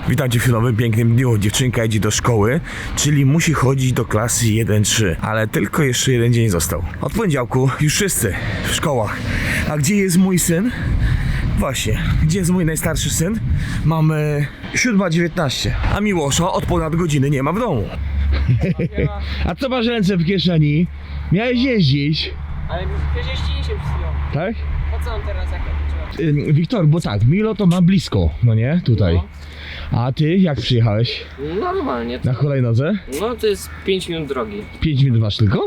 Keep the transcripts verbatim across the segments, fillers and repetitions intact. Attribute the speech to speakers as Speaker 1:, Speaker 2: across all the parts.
Speaker 1: Witajcie w nowym pięknym dniu. Dziewczynka idzie do szkoły, czyli musi chodzić do klasy jeden trzy, ale tylko jeszcze jeden dzień został. Od poniedziałku już wszyscy w szkołach. A gdzie jest mój syn? Właśnie, gdzie jest mój najstarszy syn? Mamy siódma dziewiętnaście, a Miłosza od ponad godziny nie ma w domu. A co masz ręce w kieszeni? Miałeś jeździć.
Speaker 2: Ale przecież jeździliśmy przed chwilą.
Speaker 1: Tak?
Speaker 2: Po co on teraz jak to
Speaker 1: Yy, Wiktor, bo tak, Milo to ma blisko, no nie? Tutaj. A ty jak przyjechałeś?
Speaker 2: Normalnie. To,
Speaker 1: Na hulajnodze?
Speaker 2: no to jest pięć minut drogi.
Speaker 1: pięć minut masz tylko?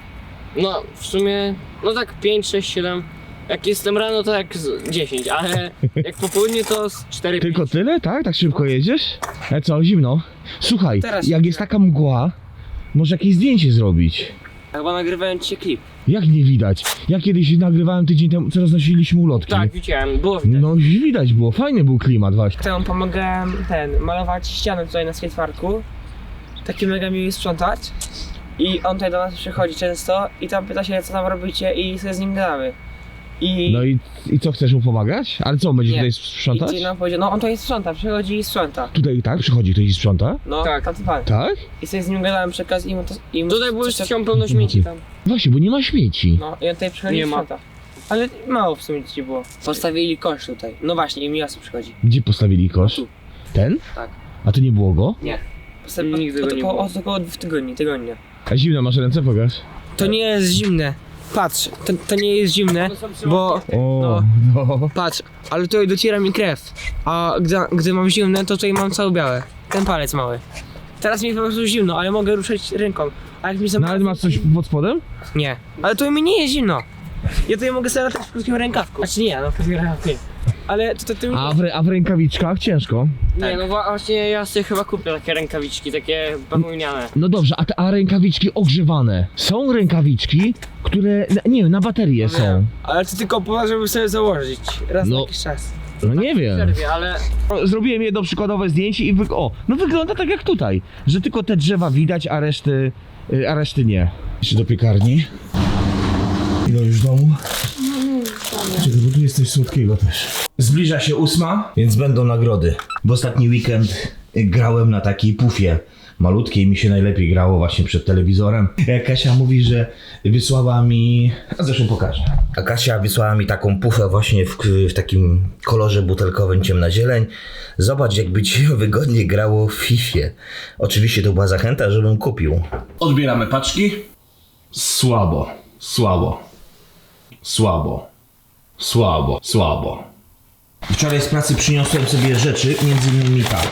Speaker 2: No w sumie, no tak pięć, sześć, siedem. Jak jestem rano to jak z dziesięć, ale jak po południu to z cztery,
Speaker 1: Tylko
Speaker 2: pięć.
Speaker 1: tyle, tak? Tak szybko jedziesz? Ale co, zimno? Słuchaj,
Speaker 2: Teraz
Speaker 1: jak
Speaker 2: się-
Speaker 1: jest taka mgła, może jakieś zdjęcie zrobić.
Speaker 2: Chyba nagrywałem dzisiaj klip.
Speaker 1: Jak nie widać? Ja kiedyś nagrywałem tydzień temu, co roznosiliśmy ulotki.
Speaker 2: Tak, widziałem, było widać.
Speaker 1: No widać było, fajny był klimat właśnie.
Speaker 2: To pomagałem ten, malować ścianę tutaj na skateparku. Taki mega miły sprzątać. I on tutaj do nas przychodzi często i tam pyta się, co tam robicie i sobie z nim gadamy. I,
Speaker 1: No i, i co, chcesz mu pomagać? Ale co, będzie
Speaker 2: Nie.
Speaker 1: tutaj
Speaker 2: i
Speaker 1: sprzątać?
Speaker 2: ci nam powiedział, no on tutaj sprząta, przychodzi i sprząta.
Speaker 1: Tutaj tak, przychodzi ktoś i sprząta?
Speaker 2: No, tak, tacy pan.
Speaker 1: Tak?
Speaker 2: I sobie z nim gadałem przekaz i mu to... I mu tutaj było już ściął pełno śmieci tam.
Speaker 1: Właśnie, bo nie ma śmieci.
Speaker 2: No i on tutaj przychodzi i sprząta. Ale mało w sumie dzieci było. Postawili kosz tutaj. No właśnie, i Miasu przychodzi.
Speaker 1: Gdzie postawili kosz?
Speaker 2: Tu.
Speaker 1: Ten?
Speaker 2: Tak.
Speaker 1: A to nie było go?
Speaker 2: Nie. Postawili nigdy go nie było. Od około dwóch tygodni, tygodnia.
Speaker 1: A zimno, masz ręce, pokaż.
Speaker 2: To nie jest zimne. Patrz, to, to nie jest zimne, bo...
Speaker 1: O,
Speaker 2: No.
Speaker 1: no.
Speaker 2: Patrz, ale tutaj dociera mi krew. A gdy, gdy mam zimne, to tutaj mam całe białe. Ten palec mały. Teraz mi po prostu zimno, ale mogę ruszać ręką. A jak mi
Speaker 1: No ale masz coś pod spodem?
Speaker 2: Nie. Ale to mi nie jest zimno. Ja tutaj mogę sobie latać w krótkim rękawku. Znaczy nie, no w krótkim rękawku nie. Ale to, to, to mi...
Speaker 1: A w, a w rękawiczkach ciężko.
Speaker 2: Nie, no właśnie ja sobie chyba kupię takie rękawiczki, takie bawełniane.
Speaker 1: No dobrze, a, te, a rękawiczki ogrzewane? Są rękawiczki, które, na- nie wiem, na baterie są.
Speaker 2: Ale to tylko po to, żeby sobie założyć. Raz
Speaker 1: No.
Speaker 2: na jakiś czas.
Speaker 1: No nie wiem.
Speaker 2: Przerwie, ale...
Speaker 1: Zrobiłem jedno przykładowe zdjęcie i wy... o, no wygląda tak jak tutaj, że tylko te drzewa widać, a reszty, y, a reszty nie. Jeszcze do piekarni. Ile już w domu? Czekaj, bo tu jest coś słodkiego też. Zbliża się ósma, więc będą nagrody. W ostatni weekend grałem na takiej pufie malutkiej, mi się najlepiej grało właśnie przed telewizorem. Kasia mówi, że wysłała mi... A zresztą pokażę. A Kasia wysłała mi taką pufę właśnie w, w takim kolorze butelkowym ciemna zieleń. Zobacz, jakby ci się wygodnie grało w Fifie. Oczywiście to była zachęta, żebym kupił. Odbieramy paczki. Słabo, słabo, słabo, słabo, słabo. Wczoraj z pracy przyniosłem sobie rzeczy, między innymi tak.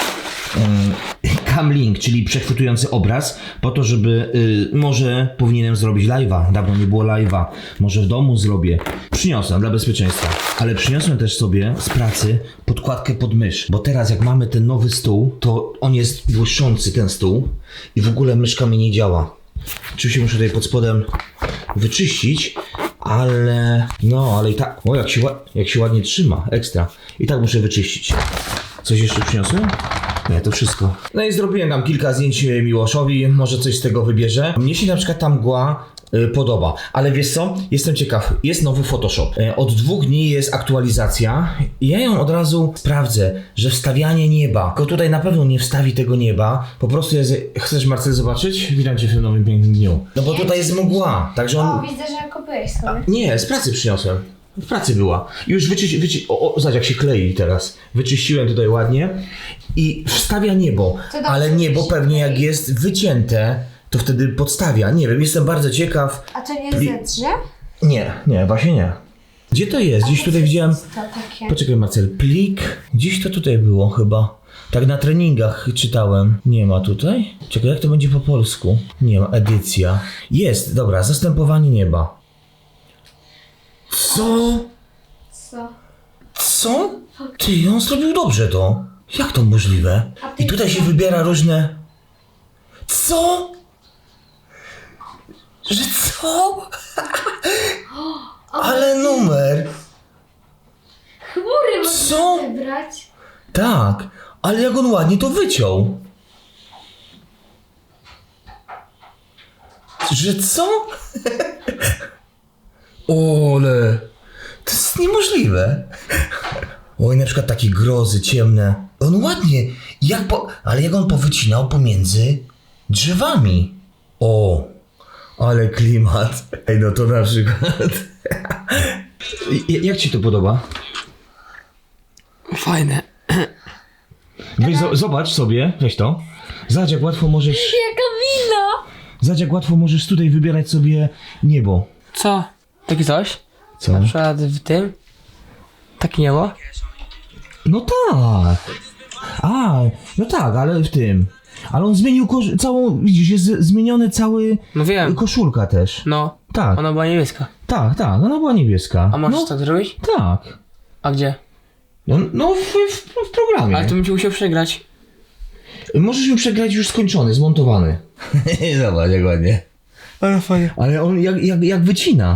Speaker 1: Cam link, czyli przechwytujący obraz, po to, żeby y, może powinienem zrobić live'a. Dawno nie było live'a, może w domu zrobię. Przyniosłem dla bezpieczeństwa, ale przyniosłem też sobie z pracy podkładkę pod mysz, bo teraz jak mamy ten nowy stół, to on jest błyszczący, ten stół, i w ogóle myszka mi nie działa. Oczywiście muszę tutaj pod spodem wyczyścić, ale no, ale i tak, o jak się, jak się ładnie trzyma, ekstra. I tak muszę wyczyścić. Coś jeszcze przyniosłem? Nie, to wszystko. No i zrobiłem tam kilka zdjęć Miłoszowi, może coś z tego wybierze. Mnie się na przykład ta mgła y, podoba, ale wiesz co? Jestem ciekaw, jest nowy Photoshop. Y, od dwóch dni jest aktualizacja i ja ją od razu sprawdzę, że wstawianie nieba, tylko tutaj na pewno nie wstawi tego nieba, po prostu jest... Chcesz, Marcel, zobaczyć? Witam cię w tym nowym pięknym dniu. No bo tutaj jest mgła, także on...
Speaker 3: O, widzę, że kupiłeś sobie.
Speaker 1: Nie, z pracy przyniosłem. W pracy była. Już wyczyści, wyczy... o, o, zobacz jak się klei teraz. Wyczyściłem tutaj ładnie i wstawia niebo,
Speaker 3: To dobrze,
Speaker 1: ale niebo
Speaker 3: że się
Speaker 1: pewnie jak
Speaker 3: klei.
Speaker 1: jest wycięte, to wtedy podstawia. Nie wiem, jestem bardzo ciekaw.
Speaker 3: A to nie
Speaker 1: Pli-
Speaker 3: zedrze?
Speaker 1: Nie, nie, właśnie nie. Gdzie to jest? Gdzieś
Speaker 3: A
Speaker 1: tutaj
Speaker 3: co
Speaker 1: widziałem...
Speaker 3: jest to takie?
Speaker 1: Poczekaj, Marcel, plik. Gdzieś to tutaj było chyba. Tak na treningach czytałem. Nie ma tutaj? Czekaj, jak to będzie po polsku? Nie ma, edycja. Jest, dobra, zastępowanie nieba. Co?
Speaker 3: Co?
Speaker 1: Co? Ty, on zrobił dobrze to. Jak to możliwe?
Speaker 3: A ty
Speaker 1: I tutaj się
Speaker 3: co?
Speaker 1: wybiera różne... Co? Że co? Ale numer.
Speaker 3: Chmury
Speaker 1: Co?
Speaker 3: można wybrać.
Speaker 1: Tak, ale jak on ładnie to wyciął. Że co? Ole, to jest niemożliwe. Oj, na przykład takie grozy ciemne. On ładnie, jak po, ale jak on powycinał pomiędzy drzewami. O, ale klimat. Ej, no to na przykład. Jak ci to podoba?
Speaker 2: Fajne.
Speaker 1: Weź, zo- zobacz sobie, weź to. Zobacz, jak łatwo możesz,
Speaker 3: Jaka wina!
Speaker 1: zobacz, jak łatwo możesz tutaj wybierać sobie niebo.
Speaker 2: Co? Takie coś?
Speaker 1: Co?
Speaker 2: Na przykład w tym? Takie niebo?
Speaker 1: No tak. A, no tak, ale w tym. Ale on zmienił kosz- całą, widzisz, jest z- zmieniony cały
Speaker 2: No wiem.
Speaker 1: koszulka też.
Speaker 2: No.
Speaker 1: Tak,
Speaker 2: Ona była niebieska.
Speaker 1: tak, tak, ona była niebieska.
Speaker 2: A możesz
Speaker 1: no,
Speaker 2: tak zrobić?
Speaker 1: Tak.
Speaker 2: A gdzie?
Speaker 1: No, no w, w, w programie.
Speaker 2: Ale to bym ci musiał przegrać.
Speaker 1: Możesz mi przegrać już skończony, zmontowany. Zobacz, jak ładnie.
Speaker 2: Ale fajnie.
Speaker 1: Ale on jak, jak, jak wycina.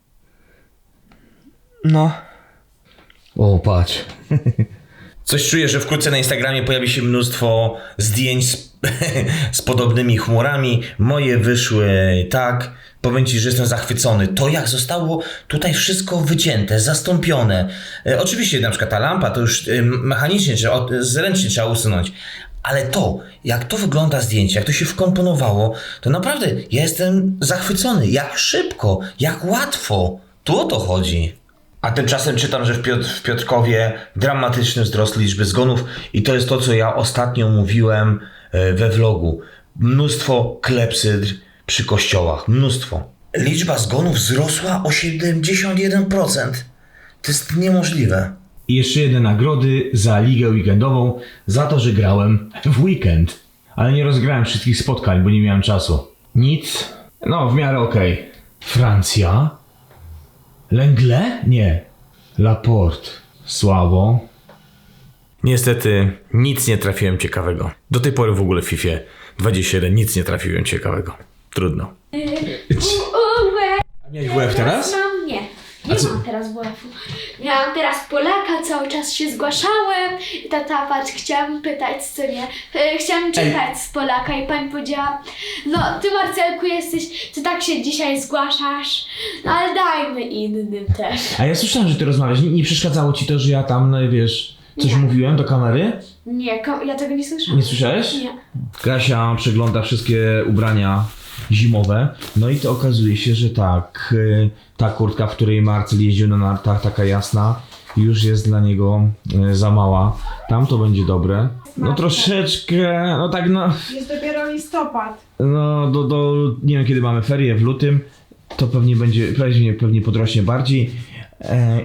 Speaker 2: No.
Speaker 1: O, patrz. Coś czuję, że wkrótce na Instagramie pojawi się mnóstwo zdjęć z, z podobnymi chmurami. Moje wyszły tak. Powiem ci, że jestem zachwycony. To jak zostało tutaj wszystko wycięte, zastąpione. E, oczywiście na przykład ta lampa to już e, mechanicznie, czy od, zręcznie trzeba usunąć. Ale to, jak to wygląda zdjęcie, jak to się wkomponowało, to naprawdę ja jestem zachwycony. Jak szybko, jak łatwo. Tu o to chodzi. A tymczasem czytam, że w, Piotr, w Piotrkowie dramatyczny wzrost liczby zgonów i to jest to, co ja ostatnio mówiłem e, we vlogu. Mnóstwo klepsydr przy kościołach. Mnóstwo. Liczba zgonów wzrosła o siedemdziesiąt jeden procent. To jest niemożliwe. I jeszcze jedne nagrody za ligę weekendową, za to, że grałem w weekend. Ale nie rozgrałem wszystkich spotkań, bo nie miałem czasu. Nic. No, w miarę okej. Francja. Lengle? Nie. Laporte. Słabo. Niestety nic nie trafiłem ciekawego. Do tej pory w ogóle w FIFA dwadzieścia jeden nic nie trafiłem ciekawego. Trudno. A miałeś W F teraz?
Speaker 3: Mam, nie.
Speaker 1: A
Speaker 3: Nie
Speaker 1: co-
Speaker 3: mam teraz W F-u. Miałam teraz Polaka, cały czas się zgłaszałem. I tata, patrz, chciałam pytać, co nie. E, Chciałam czytać z Polaka i pani powiedziała, no ty Marcelku jesteś, ty tak się dzisiaj zgłaszasz, no ale dajmy innym też.
Speaker 1: A ja słyszałem, że ty rozmawiasz. Nie, nie przeszkadzało ci to, że ja tam, no wiesz, coś
Speaker 3: Nie.
Speaker 1: mówiłem do kamery?
Speaker 3: Nie, ko- ja tego nie słyszałam.
Speaker 1: Nie słyszałeś?
Speaker 3: Nie.
Speaker 1: Kasia przegląda wszystkie ubrania zimowe, no i to okazuje się, że tak, y, ta kurtka, w której Marcel jeździł na nartach, taka jasna, już jest dla niego y, za mała. Tam to będzie dobre. No troszeczkę, no tak no,
Speaker 4: Jest dopiero listopad.
Speaker 1: no do, do, nie wiem kiedy mamy ferie, w lutym, to pewnie będzie, pewnie, pewnie podrośnie bardziej. E,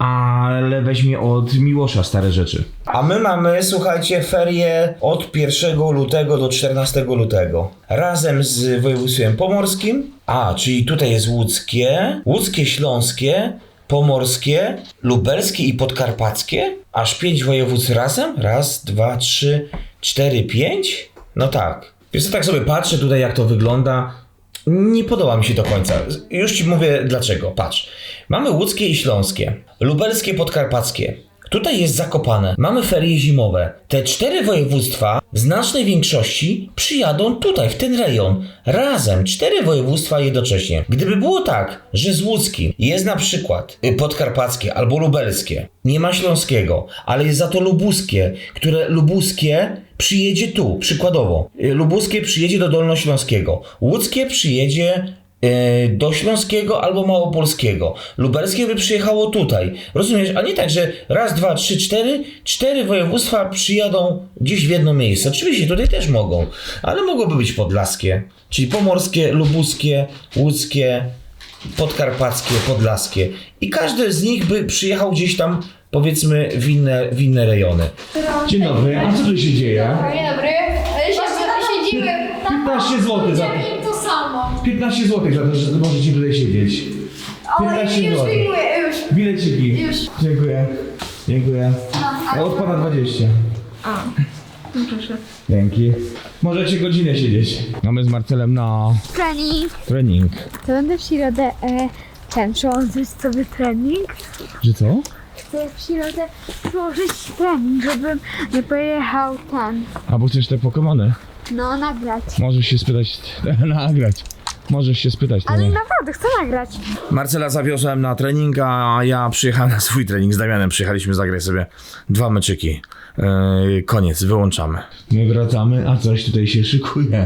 Speaker 1: ale weźmie od Miłosza stare rzeczy. A my mamy, słuchajcie, ferie od pierwszego lutego do czternastego lutego. Razem z województwem pomorskim. A, czyli tutaj jest łódzkie, łódzkie, śląskie, pomorskie, lubelskie i podkarpackie. Aż pięć województw razem? Raz, dwa, trzy, cztery, pięć? No tak. Więc tak sobie patrzę tutaj, jak to wygląda. Nie podoba mi się do końca. Już ci mówię dlaczego. Patrz. Mamy łódzkie i śląskie, lubelskie, podkarpackie. Tutaj jest Zakopane. Mamy ferie zimowe. Te cztery województwa w znacznej większości przyjadą tutaj, w ten rejon. Razem. Cztery województwa jednocześnie. Gdyby było tak, że z łódzkim jest na przykład podkarpackie albo lubelskie, nie ma śląskiego, ale jest za to lubuskie, które lubuskie przyjedzie tu, przykładowo. Lubuskie przyjedzie do Dolnośląskiego. Łódzkie przyjedzie do Śląskiego albo Małopolskiego. Lubelskie by przyjechało tutaj. Rozumiesz? A nie tak, że raz, dwa, trzy, cztery, cztery województwa przyjadą gdzieś w jedno miejsce. Oczywiście tutaj też mogą, ale mogłoby być podlaskie, czyli pomorskie, lubuskie, łódzkie, podkarpackie, podlaskie. I każdy z nich by przyjechał gdzieś tam, powiedzmy, w inne, w inne rejony.
Speaker 4: Dzień dobry, a co tu się dzieje?
Speaker 3: Dzień dobry. Siedzimy.
Speaker 1: piętnaście złotych za to.
Speaker 3: to samo.
Speaker 1: piętnaście złotych za to, że możecie tutaj siedzieć. piętnaście
Speaker 3: już
Speaker 1: złotych.
Speaker 3: wyjmuję, już.
Speaker 1: Bileciki.
Speaker 3: Już.
Speaker 1: Dziękuję. Dziękuję.
Speaker 3: A,
Speaker 1: A odpada dwadzieścia.
Speaker 4: A, no proszę.
Speaker 1: Dzięki. Możecie godzinę siedzieć. Mamy z Marcelem na
Speaker 3: trening.
Speaker 1: trening.
Speaker 3: To będę w środę e, ten, przełączyć sobie trening.
Speaker 1: Że co?
Speaker 3: Chcę w środę przełożyć trening, żebym nie pojechał ten,
Speaker 1: Albo chcesz te Pokemony?
Speaker 3: no nagrać.
Speaker 1: Możesz się spytać, nagrać. Możesz się spytać.
Speaker 3: Ale naprawdę, chcę nagrać.
Speaker 1: Marcela zawiozłem na trening, a ja przyjechałem na swój trening z Damianem. Przyjechaliśmy zagrać sobie dwa meczyki. Yy, koniec, wyłączamy. My wracamy, a coś tutaj się szykuje.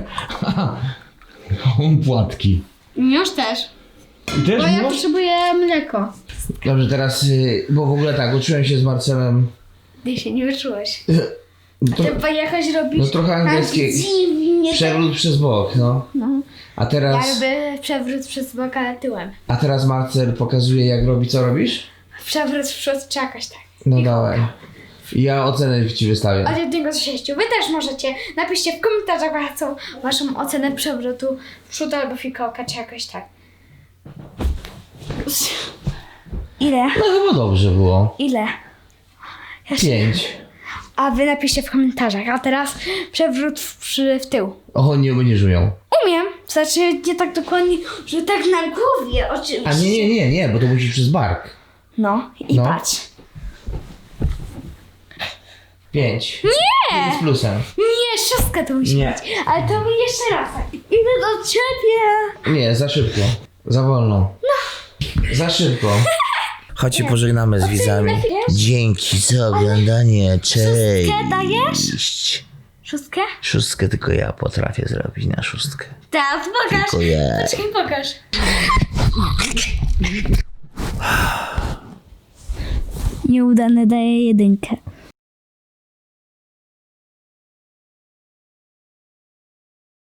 Speaker 1: Płatki.
Speaker 3: Już też.
Speaker 1: Też
Speaker 3: Bo ja potrzebuję mleko.
Speaker 1: Dobrze, teraz, yy, bo w ogóle tak, uczyłem się z Marcelem.
Speaker 3: Ty się nie wyczułeś.
Speaker 1: To,
Speaker 3: Ty pojechać robić...
Speaker 1: no trochę angielski.
Speaker 3: Tak dziwnie.
Speaker 1: Przewrót przez bok, no.
Speaker 3: No.
Speaker 1: A teraz,
Speaker 3: Jakby przewrót przez bok, ale tyłem.
Speaker 1: a teraz Marcel pokazuje, jak robi, co robisz?
Speaker 3: Przewrót w przód czy jakoś tak.
Speaker 1: No dawaj. Ja ocenę ci wystawię.
Speaker 3: Od jednego do sześciu. Wy też możecie. Napiszcie w komentarzach waszą, waszą ocenę przewrotu w przód albo fikołka czy jakoś tak. Ile?
Speaker 1: No chyba dobrze było.
Speaker 3: Ile?
Speaker 1: Pięć.
Speaker 3: A wy napiszcie w komentarzach. A teraz przewrót w, przy, w tył.
Speaker 1: O, nie, nie żyją.
Speaker 3: Umiem. Znaczy nie tak dokładnie, że tak na głowie oczywiście.
Speaker 1: A nie, nie, nie, nie, bo to musisz przez bark.
Speaker 3: No i
Speaker 1: No.
Speaker 3: patrz.
Speaker 1: Pięć. Nie! Z plusem.
Speaker 3: Nie, szóstka to musi
Speaker 1: Nie.
Speaker 3: być. Ale to mi jeszcze raz. Idę do ciebie.
Speaker 1: Nie, za szybko. Za wolno. No. Za szybko. Chodź się pożegnamy z widzami. Dzięki za oglądanie. Cześć.
Speaker 3: Szóstkę dajesz? Szóstkę?
Speaker 1: Szóstkę tylko ja potrafię zrobić na szóstkę.
Speaker 3: Tak, pokaż.
Speaker 1: Tylko ja.
Speaker 3: Poczekaj, pokaż. Nieudane daje jedynkę.